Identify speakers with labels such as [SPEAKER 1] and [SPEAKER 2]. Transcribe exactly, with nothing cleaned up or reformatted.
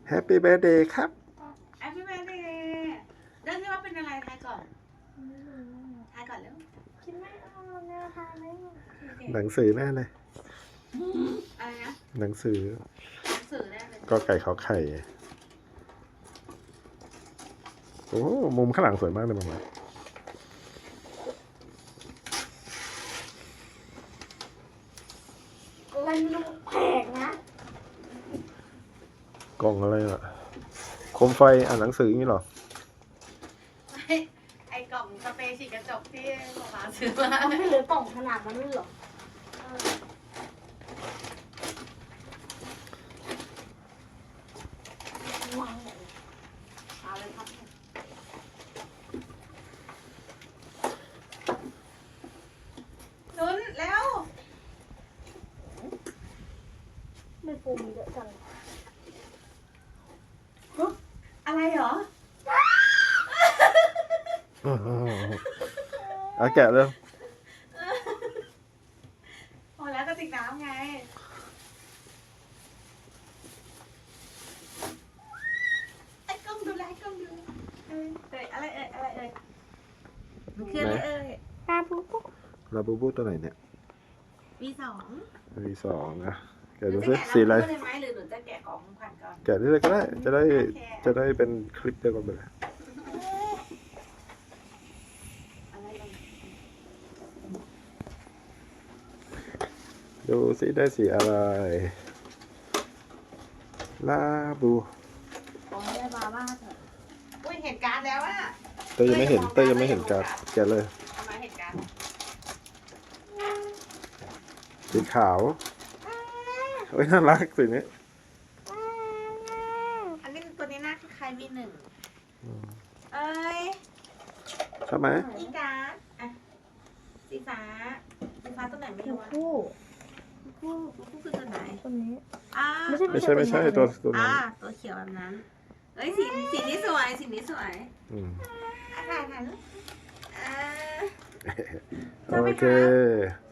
[SPEAKER 1] แฮปปี้เบิร์ดเดย์ครับ
[SPEAKER 2] แฮปปี้เบิร์ดเดย์เรื่องที่ว่าเป็นอะไรทายก่อนทายก่อนเร็ว
[SPEAKER 3] คิดไม่ออกแนวทางไม่ออก
[SPEAKER 1] หนังสือแน่เลย
[SPEAKER 2] อะไรนะ
[SPEAKER 1] หนังสือ
[SPEAKER 2] หนังสือได้เลย
[SPEAKER 1] ก็ไก่ขอไข่ โอ้มุมข้างหลังสวยมากเลยมามา
[SPEAKER 3] มันดูแปลกนะ
[SPEAKER 1] กล่องอะไรอ่ะโคมไฟอ่านหนังสืออย่างนี้เหรอ
[SPEAKER 2] ไอ้ไอ้กล่องสเปรย์ฉีดกระจกที่หมอมาซื้อมา
[SPEAKER 3] มันไม่เหลือกล่องขนาดนั้นเลยเหรอเออวางเลยเอาเลยครับ
[SPEAKER 2] ลุ้นแล้ว
[SPEAKER 3] ไม่ปูมเยอะจัง
[SPEAKER 2] อะไรเหรอ
[SPEAKER 1] เอาแกะเลย
[SPEAKER 2] พอแล้วกระติกน้ำไงไอ้กล้องดูแลไอ้กล้องดูเอ้ยเอ้ยอะไรเอ้ยอะไรเอ้ยมันคืออะไรเอ้ย
[SPEAKER 3] ปลาปูปู
[SPEAKER 1] ลาบูบูตัวไหนเนี่ย
[SPEAKER 2] มีสอง
[SPEAKER 1] มีสองนะแกะ
[SPEAKER 2] ห
[SPEAKER 1] ดู
[SPEAKER 2] นู
[SPEAKER 1] สิ
[SPEAKER 2] จะแกะ
[SPEAKER 1] สีอะไร
[SPEAKER 2] เลยไหมหรือหนูจะแกะของขวัญก่อน
[SPEAKER 1] แกะได้เลยก็ได้ จะได้ จะได้เป็นคลิปเดียวกันไปเลย
[SPEAKER 2] อะไรเอ่ย
[SPEAKER 1] ดูสิได้สีอะไร ลาบู
[SPEAKER 3] ขอให้ได้บาบ้าเถอะ
[SPEAKER 2] อุ้ยเห็นการ์ดแล้วอะ
[SPEAKER 1] เต้ยยังไม่เห็นเต้ยยังไม่เห็นการ์ดแกะเลย
[SPEAKER 2] ทำไมเห็นการ์ด
[SPEAKER 1] สีขาวเฮ้ยน่ารักสีนี้
[SPEAKER 2] อันนี้ตัวนี้หน้าคล้ายๆมีหนึ่งเอ้ย
[SPEAKER 1] ชอบไหม
[SPEAKER 2] นี่การ์ดอ่ะสีฟ้าสีฟ้าตัวไหนไม่
[SPEAKER 3] คู่
[SPEAKER 2] รู้อะ
[SPEAKER 3] คู่
[SPEAKER 2] คู่คู่คือตัวไหน
[SPEAKER 3] ตัวนี้
[SPEAKER 2] อ่า
[SPEAKER 3] ไม่ใช่
[SPEAKER 1] ไม่ใช่ไม่ใช่ตัวตัวนั้
[SPEAKER 2] อ่าน ตัวเขียวแบบนั้นเอ้ยสีสีนี้สวยสีนี้สวย
[SPEAKER 1] อืม
[SPEAKER 2] อ่ะถ่ายถ่ายรูปอ่า
[SPEAKER 1] โอเค